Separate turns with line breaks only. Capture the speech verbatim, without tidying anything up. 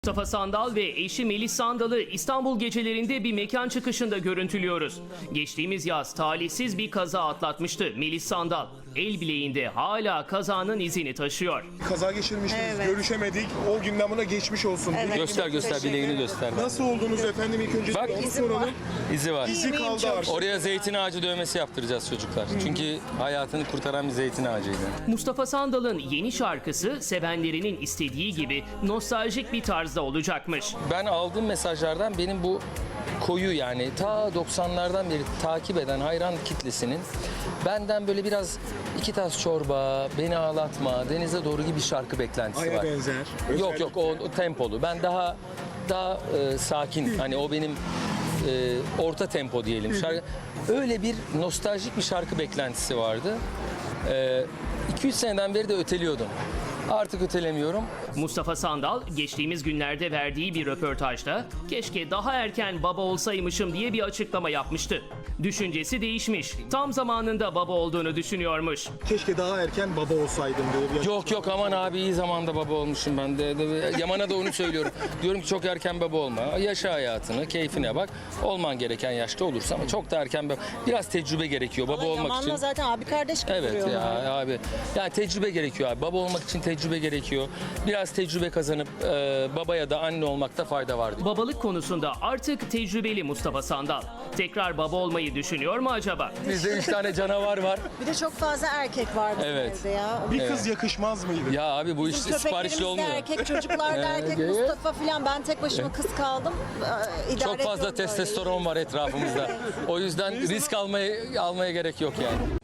Mustafa Sandal ve eşi Melis Sandal'ı İstanbul gecelerinde bir mekan çıkışında görüntülüyoruz. Geçtiğimiz yaz talihsiz bir kaza atlatmıştı Melis Sandal. El bileğinde hala kazanın izini taşıyor.
Kaza geçirmiştiniz,
Evet.
görüşemedik. O günden buna geçmiş olsun.
Evet.
Göster göster
Teşekkür
bileğini
ederim.
göster.
Nasıl oldunuz efendim ilk önce?
Bak,
onu
izim var.
soralım.
İzi var.
İzi
İyiyim,
kaldı
çok
artık.
Oraya zeytin ağacı dövmesi yaptıracağız çocuklar. Çünkü hayatını kurtaran bir zeytin ağacıydı.
Mustafa Sandal'ın yeni şarkısı sevenlerinin istediği gibi nostaljik bir tarzda olacakmış.
Ben aldığım mesajlardan benim bu koyu yani ta doksanlardan beri takip eden hayran kitlesinin benden böyle biraz iki tas çorba, beni ağlatma, denize doğru gibi şarkı beklentisi
Aya
var.
benzer.
Yok yok o, o tempolu. Ben daha daha e, sakin. Hani o benim e, orta tempo diyelim. Şarkı, öyle bir nostaljik bir şarkı beklentisi vardı. E, iki üç seneden beri de öteliyordum. Artık ötelemiyorum.
Mustafa Sandal geçtiğimiz günlerde verdiği bir röportajda keşke daha erken baba olsaymışım diye bir açıklama yapmıştı. Düşüncesi değişmiş. Tam zamanında baba olduğunu düşünüyormuş.
Keşke daha erken baba olsaydım diye bir
Yok yok aman abi iyi zamanda baba olmuşum ben de. de- Yaman'a da onu söylüyorum. Diyorum ki çok erken baba olma. Yaşa hayatını, keyfine bak. Olman gereken yaşta olursa ama çok da erken baba. Biraz tecrübe gerekiyor baba olmak
Yaman'la
için.
zaten abi kardeş gibi
Evet
duruyorlar.
ya abi. Yani tecrübe gerekiyor abi. Baba olmak için tecrübe gerekiyor. Biraz tecrübe kazanıp e, baba ya da anne olmakta fayda var diye.
Babalık konusunda artık tecrübeli Mustafa Sandal. Tekrar baba olmayı düşünüyor mu acaba?
Bizde üç tane canavar var.
Bir de çok fazla erkek var bizim
Evet.
evde ya.
Bir kız yakışmaz mıydı?
Ya abi bu iş
Bizim
siparişli
köpeklerimiz de
olmuyor.
erkek, çocuklar da erkek,
Evet.
Mustafa filan. Ben tek başıma kız kaldım. Ee, idare
Çok fazla
ediyorum böyle.
testosteron var etrafımızda. O yüzden risk almaya almaya gerek yok yani.